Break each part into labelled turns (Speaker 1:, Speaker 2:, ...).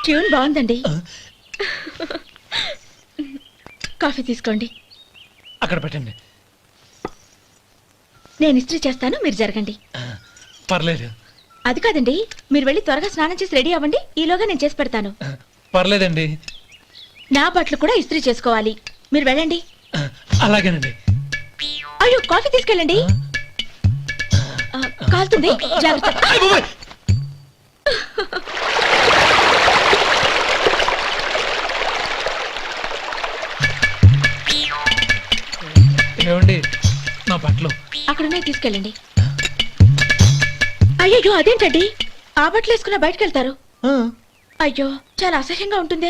Speaker 1: Tune బాగుందండి. Coffee తీసుకోండి.
Speaker 2: అక్కడ పెట్టండి.
Speaker 1: నేను ఇస్త్రీ చేస్తాను, మీరు జరగండి.
Speaker 2: పర్లేదు.
Speaker 1: అది కాదండి, మీరు వెళ్ళి త్వరగా స్నానం చేసి రెడీ అవ్వండి, ఈలోగా నేను చేసి పెడతాను.
Speaker 2: పర్లేదండి.
Speaker 1: నా బట్టలు కూడా ఇస్త్రీ చేసుకోవాలి, మీరు వెళ్ళండి.
Speaker 2: అలాగేనండి.
Speaker 1: అయ్యో, కాఫీ తీసుకెళ్ళండి. కాలుతుంది, జాగ్రత్త.
Speaker 2: ఏమండి, నా బట్టలు
Speaker 1: అక్కడున్నాయి, తీసుకెళ్ళండి. అయ్యో, అదేంటండి, ఆ బట్టలు వేసుకున్న బయటకు వెళ్తారు? అయ్యో, చాలా అసహ్యంగా ఉంటుందే.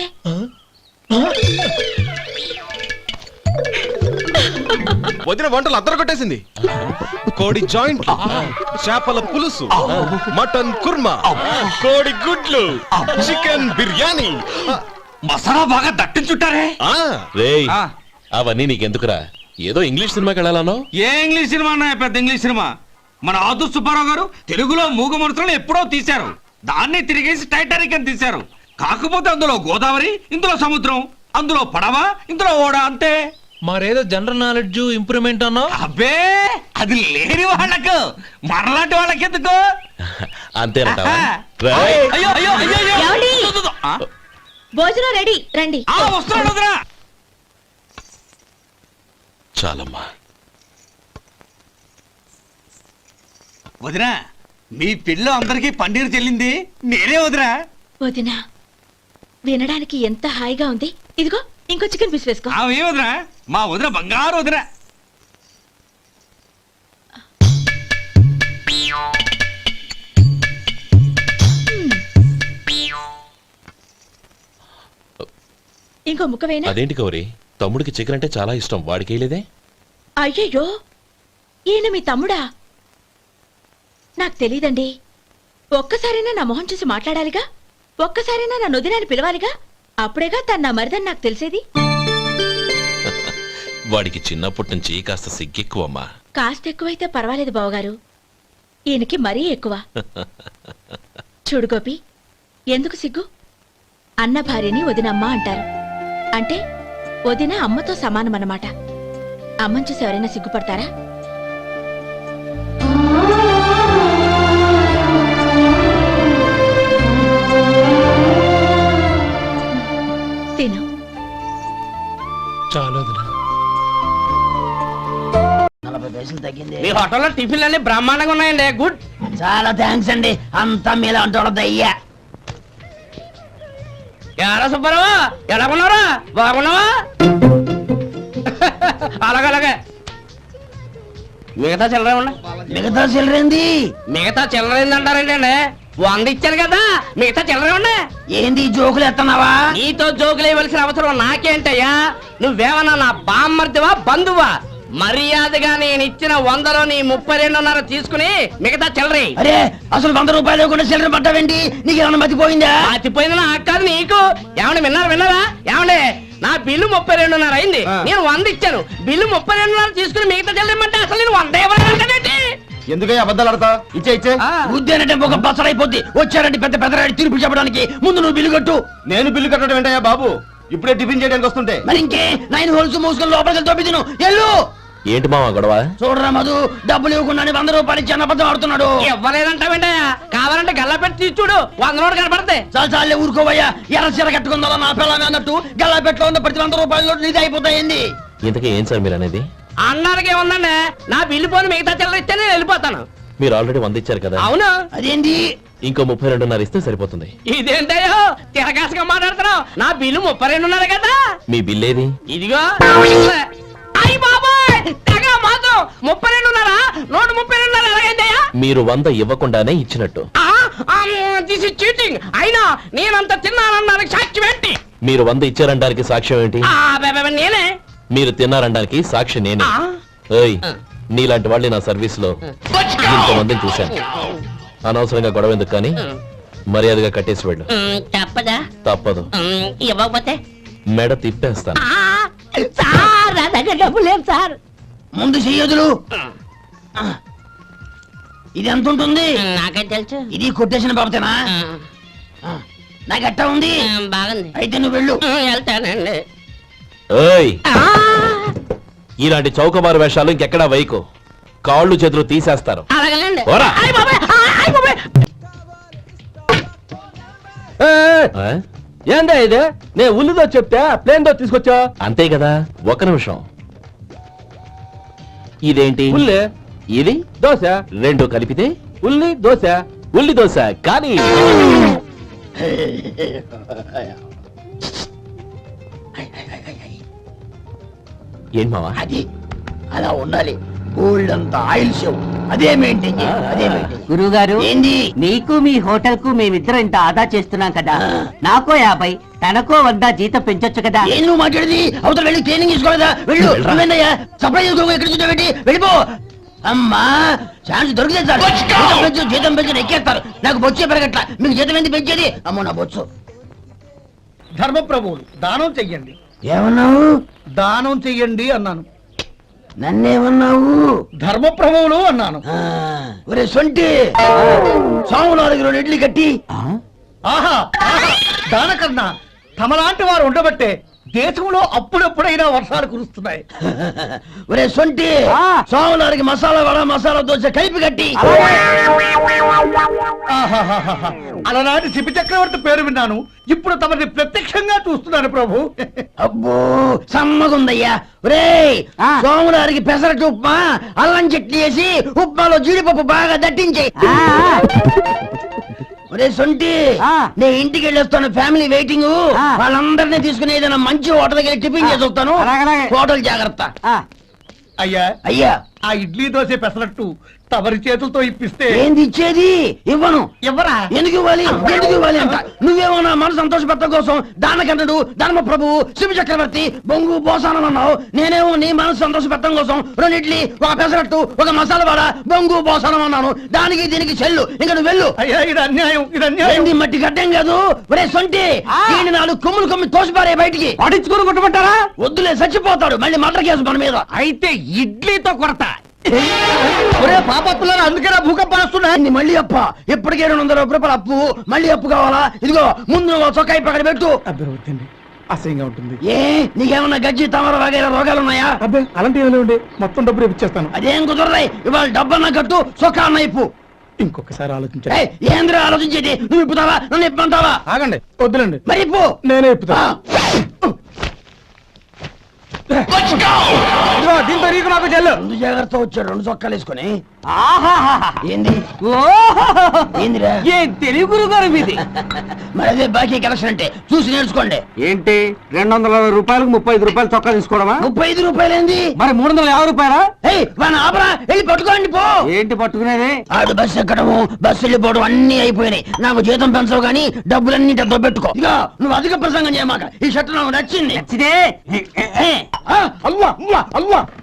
Speaker 3: వదిన వంటలు అద్దరు కొట్టేసింది. కోడి జాయింట్, చేపల పులుసు, మటన్ కుర్మా, కోడి గుడ్లు, చికెన్ బిర్యానీ,
Speaker 4: మసాలా బాగా దట్టించుంటారే.
Speaker 3: రేయ్, అవన్నీ నీకెందుకురా? ఏదో ఇంగ్లీష్ సినిమాకి వెళ్ళాలనో.
Speaker 4: ఏ ఇంగ్లీష్ సినిమా అన్నా? పెద్ద ఇంగ్లీష్ సినిమా. మన ఆదు సుబ్బారావు గారు తెలుగులో మూగమరుతులను ఎప్పుడో తీశారు. దాన్ని తిరిగేసి టైటానిక్ అని తీశారు. కాకపోతే అందులో గోదావరి, ఇందులో సముద్రం, అందులో పడవ, ఇందులో ఓడ, అంతే.
Speaker 2: మరేదో జనరల్ నాలెడ్జ్ ఇంప్రూవ్మెంట్ అన్నా.
Speaker 4: అబ్బే, అది లేని వాళ్ళకు, మరలాంటి వాళ్ళకి ఎందుకు?
Speaker 3: అంతేనంటావా?
Speaker 4: అయ్యో అయ్యో అయ్యో
Speaker 1: ఏమండి? భోజనం రెడీ, రండి.
Speaker 4: వస్తున్నాడు వదరా.
Speaker 3: చాలమ్మా.
Speaker 4: వదినా, మీ పిల్ల అందరికీ పన్నీరు చెల్లింది నేనే వదినా.
Speaker 1: వదినా, వినడానికి ఎంత హాయిగా ఉంది. ఇదిగో ఇంకో చికెన్ పీస్ వేసుకో.
Speaker 4: ఏ వదినా, మా వదిన బంగారు వదినా.
Speaker 1: ఇంకో ముక్క వేయనా?
Speaker 3: అదేంటి గౌరీ, తమ్ముడికి చికెన్ అంటే చాలా ఇష్టం, వాడికి వేయలేదే?
Speaker 1: అయ్యయ్యో, ఈయన మీ తమ్ముడా? నాకు తెలీదండి. ఒక్కసారైనా నా మొహం చూసి మాట్లాడాలిగా, ఒక్కసారైనా నా నొదినాన్ని పిలవాలిగా, అప్పుడేగా తన నా మరిదని నాకు తెలిసేది.
Speaker 3: వాడికి చిన్నప్పటి నుంచి కాస్త సిగ్గెక్కువమ్మా.
Speaker 1: కాస్త ఎక్కువైతే పర్వాలేదు బావగారు, ఈయనకి మరీ ఎక్కువ. చూడు గోపి, ఎందుకు సిగ్గు? అన్న భార్యని వదినమ్మ అంటారు. అంటే వదిన అమ్మతో సమానమన్నమాట. అమ్మని చూసి ఎవరైనా సిగ్గుపడతారా? తిను.
Speaker 2: చాలు వదినా.
Speaker 5: 40 పైసలు తగ్గింది.
Speaker 6: మీ హోటల్లో టిఫిన్లు అన్ని బ్రహ్మాండంగా ఉన్నాయండి. గుడ్,
Speaker 5: చాలా థ్యాంక్స్ అండి. అంతా మీలా అంటాడు అయ్యా.
Speaker 6: ఎలా సుబ్బారావు, ఎలా ఉన్నారా? బాగున్నావా? అలాగే మిగతా చిల్లర ఉన్నా.
Speaker 5: మిగతా చిల్లరేంది?
Speaker 6: మిగతా చిల్లర ఏందంటారండి అండి? 100 ఇచ్చాను కదా, మిగతా చిల్లర ఉన్నా.
Speaker 5: ఏంది జోకులు ఎత్తన్నావా?
Speaker 6: నీతో జోకులు వేయవలసిన అవసరం నాకేంటయ్యా? నువ్వేమన్నా నా బామ్మర్దివా, బంధువా? మర్యాదగా నేను ఇచ్చిన 100లో నీ 32.5 తీసుకుని మిగతా చిల్లరి.
Speaker 5: అరే, అసలు 100 రూపాయలు కూడా చిల్లర పట్టావేంటి? నీకు ఏమన్నా మతిపోయిందా?
Speaker 6: మర్చిపోయింది నాకు కాదు, నీకు. ఏమండి, విన్నారా? ఏమండి, నా బిల్లు 32.5 అయింది. నేను 100 ఇచ్చాను. బిల్లు 32.5 తీసుకుని మిగతా చెల్లిమంటే అసలు నేను 100 ఇవ్వలేదంటే
Speaker 3: ఎందుకయ్యా అబద్ధాలు ఆడతా? ఇచ్చే
Speaker 5: ఉద్యానంటే ఒక బసరైపోద్ది. వచ్చారంటే పెద్ద పెద్దరాడి తీర్పు చెప్పడానికి ముందు నువ్వు బిల్లు కట్టు.
Speaker 3: నేను బిల్లు కట్టడం ఏంటయ్యా బాబు? ఇప్పుడే టిఫిన్ చేయడానికి వస్తుంటే.
Speaker 5: మరి ఇంకే 9 హోల్స్ మూసుకొని లోపలికి తోపి తిను. ఎల్లు.
Speaker 3: ఏంటి మావా గొడవ?
Speaker 5: చూడరా మధు, డబ్బులు ఇవ్వకుండా 100 రూపాయలు ఇచ్చి అన్నబద్ధం ఆడుతున్నాడు.
Speaker 6: ఇవ్వలేదంటావేంటయ్యా? కావాలంటే గల్లా పెట్టి తీసి చూడు, 100 నోటు కనపడతాయి.
Speaker 5: చాలే ఊరుకోవయ్యా. ఎర్ర చీర కట్టుకుందా నా పిల్లమే అన్నట్టు గల్లాపెట్లో ఉన్న ప్రతి 100 రూపాయలు నీది అయిపోతాయింది.
Speaker 3: ఇంతకీ ఏం సార్ మీరు అనేది?
Speaker 6: అన్నానికి ఏముందండి, నా బిల్లు పోని మిగతా చిల్లర ఇస్తే నేను వెళ్ళిపోతాను.
Speaker 3: మీరు ఆల్రెడీ 100 ఇచ్చారు కదా.
Speaker 6: అవును.
Speaker 5: అదేంటి?
Speaker 3: ఇంకో 32.5 ఇస్తే సరిపోతుంది.
Speaker 6: ఇదేంటయ్యో తిరగాసుగా మాట్లాడుతున్నావు? నా బిల్లు 32.5 కదా.
Speaker 3: మీ బిల్ ఏది?
Speaker 6: ఇదిగో. అయ్యి బాబాయ్, తెగ మాత్రం 32.5, 132.5 ఎలాగైందయ్యా?
Speaker 3: మీరు 100 ఇవ్వకుండానే ఇచ్చినట్టు.
Speaker 6: This is cheating. అయినా నేనంత తిన్నానన్నానికి సాక్ష్యం ఏంటి?
Speaker 3: మీరు 100 ఇచ్చారనడానికి సాక్ష్యం ఏంటి?
Speaker 6: నేనే.
Speaker 3: మీరు తిన్నారనడానికి సాక్షి నేనే. ఏయ్, నీలాంటి వాళ్ళని నా సర్వీస్ లో ఇంతమందిని చూశాను. అనవసరంగా గొడవ ఎందుకు కానీ మర్యాదగా కట్టేసి వెళ్ళు.
Speaker 6: తప్పదా?
Speaker 3: తప్పదు.
Speaker 6: ఇవ్వకపోతే
Speaker 3: మెడ తిప్పేస్తాను.
Speaker 6: సార్
Speaker 5: ముందు చెయ్యదులు. ఇది ఎంత ఉంటుంది?
Speaker 6: నాకేం తెలుసు.
Speaker 5: ఇది కొట్టేసిన బాబతేనా? నాకు ఎట్టా ఉంది
Speaker 6: బాగుంది
Speaker 5: అయితే నువ్వు వెళ్ళు
Speaker 6: వెళ్తానండి
Speaker 3: ఏయ్ ఇలాంటి చౌకబారు వేషాలు ఇంకెక్కడా వైకు కాళ్ళు చేతులు తీసేస్తారు
Speaker 6: అలాగేనండి
Speaker 3: పోరా. ఆ?
Speaker 5: ఏందా ఇది నేను ఉల్లిదో చెప్తే ప్లేన్ దో తీసుకొచ్చా
Speaker 3: అంతే కదా ఒక నిమిషం ఇదేంటి
Speaker 5: ఉల్లి
Speaker 3: ఇది
Speaker 5: దోశ
Speaker 3: రెండు కలిపితే
Speaker 5: ఉల్లి దోశ
Speaker 3: ఉల్లి దోశ కానీ ఏంటి మావా
Speaker 5: అది అలా ఉండాలి గోల్డ్ అంత ఆయిల్ షో అదే మెయింటైన్ అదే మెయింటైన్
Speaker 7: గురువు గారు
Speaker 5: ఏంది
Speaker 7: నీకు మీ హోటల్ కు మేమిద్దరం ఇంత ఆదా చేస్తున్నాం కదా నాకో 50 తనకో 100 జీతం పెంచొచ్చు కదా
Speaker 5: ఏం నువ్వు మాట్లాడేది అవతల వెళ్ళి ట్రైనింగ్ తీసుకోలేదా వెళ్ళు నువ్వేందయ్యా సప్లై చేసుకో ఎక్కడ చూడబెట్టి వెళ్ళిపో అమ్మా ఛాన్స్ దొరికితే సార్ జీతం పెంచు ఎక్కేస్తారు నాకు బొచ్చే పెరగట్ల మీకు జీతం ఎందుకు పెంచేది అమ్మో నా బొచ్చు
Speaker 8: ధర్మప్రభువులు దానం చెయ్యండి
Speaker 5: ఏమన్నావు
Speaker 8: దానం చెయ్యండి అన్నాను
Speaker 5: నన్నేమన్నావు
Speaker 8: ధర్మప్రభువులు అన్నాను
Speaker 5: ఒరే సొంటి సాములారికి 2 ఇడ్లీ కట్టి
Speaker 8: ఆహా ఆహా, దానకన్నా తమలాంటి వారు ఉండబట్టే దేశంలో అప్పుడప్పుడైనా వర్షాలు కురుస్తున్నాయి
Speaker 5: ఒరే సొంటి సాములారికి మసాలా వడ మసాలా దోశ కలిపి కట్టి
Speaker 8: ఆహాహాహాహా. అలనాటి శిపి చక్రవర్తి పేరు విన్నాను ఇప్పుడు తమని ప్రత్యక్షంగా చూస్తున్నాను ప్రభు
Speaker 5: అబ్బో సమ్మగుందయ్యా ఒరే సోములారికి పెసరట్టు ఉప్మా అల్లం చట్నీ వేసి ఉప్మాలో జీడిపప్పు బాగా దట్టించేయి ఒరే సొంటి నేను ఇంటికి వెళ్ళొస్తాను ఫ్యామిలీ వెయిటింగ్ వాళ్ళందరినీ తీసుకుని ఏదైనా మంచి హోటల్ దగ్గర టిఫిన్ చేసి వస్తాను హోటల్ జాగ్రత్త
Speaker 8: అయ్యా
Speaker 5: అయ్యా
Speaker 8: ఆ ఇడ్లీ దోశ పెసరట్టు తమరి చేతులతో ఇప్పిస్తే
Speaker 5: ఏంది ఇచ్చేది ఇవ్వను
Speaker 8: ఎవరా
Speaker 5: ఎందుకు ఇవ్వాలి ఎందుకు ఇవ్వాలి అంట నువ్వేమో నా మనసు సంతోషపెట్టడం కోసం దానకన్నుడు ధర్మ ప్రభువు శివ చక్రవర్తి బొంగు బోసానం అన్నావు నేనేమో నీ మనసు సంతోషపెట్టడం కోసం 2 ఇడ్లీ ఒక పెసరట్టు ఒక మసాలా వడ బొంగు బోసానం అన్నాను దానికి దీనికి చెల్లు ఇంకా నువ్వు వెళ్ళు
Speaker 8: అయ్యా ఇది అన్యాయం ఇది అన్యాయం
Speaker 5: ఏంది మట్టి గడ్డం కాదు ఒరే సొంటి దీన్ని 4 కొమ్ములు కొమ్మి తోసిపారే బయటికి
Speaker 8: పడించుకుని కొట్టమంటారా
Speaker 5: వద్దులే చచ్చిపోతాడు మళ్ళీ మర్డర్ కేసు మన మీద
Speaker 8: అయితే ఇడ్లీతో కొరత ఒరే పాపత్తులారా అందుకేనా భూకంపాలు వస్తున్నాయి
Speaker 5: ఏంది మళ్ళీ అప్ప ఇప్పటికే 200 రూపాయల అప్పు మళ్ళీ అప్పు కావాలా ఇదిగో ముందు నువ్వు చొక్కాయి పక్కన పెట్టు
Speaker 8: అబ్బే వద్దండి అసహ్యంగా ఉంటుంది
Speaker 5: ఏ నీకేమన్నా గజ్జి తమర వగైరా రోగాలు ఉన్నాయా
Speaker 8: అబ్బే అలాంటి ఏమైనా ఉండే మొత్తం డబ్బులు ఇప్పించేస్తాను
Speaker 5: అదేం కుదరదాయి ఇవాళ డబ్బన్నా కట్టు చొక్కా అన్న ఇప్పు
Speaker 8: ఇంకొకసారి ఆలోచించండి
Speaker 5: ఏయ్, ఏంద్రా ఆలోచించేది నువ్వు ఇప్పుతావా నన్ను ఇప్పమంటావా
Speaker 8: ఆగండి వద్దులండి
Speaker 5: మరి ఇప్పు
Speaker 8: నేనే ఇప్పుతా ఇదిగో, దీంతో నీకు నాకు చెల్లు
Speaker 5: ముందు జాగ్రత్త వచ్చాడు 2 చొక్కాలు వేసుకొని ఏంది ఏందిరా
Speaker 7: ఏ తెలుగు గురువు గారు మీది
Speaker 5: మరి అదే బాకీ కలెక్షన్ అంటే చూసి నేర్చుకోండి
Speaker 8: ఏంటి 220 రూపాయలకు 35 రూపాయలు చొక్కా తీసుకోవడమా
Speaker 5: 35 రూపాయలు ఏంది
Speaker 8: మరి 350 రూపాయలా
Speaker 5: ఏయ్ వాడిని ఆపరా వెళ్ళి పట్టుకోండి పో
Speaker 8: ఏంటి పట్టుకునేది
Speaker 5: ఆడు బస్సు ఎక్కడము బస్సు వెళ్ళిపోవడం అన్ని అయిపోయినాయి నాకు జీతం పెంచవు కానీ డబ్బులన్నీ దొబ్బెట్టుకో ఇక నువ్వు అధిక ప్రసంగం చేయమాక ఈ షర్ట్ నాకు నచ్చింది
Speaker 7: నచ్చితే
Speaker 5: ఆ,
Speaker 8: అల్వా అల్వా అల్వా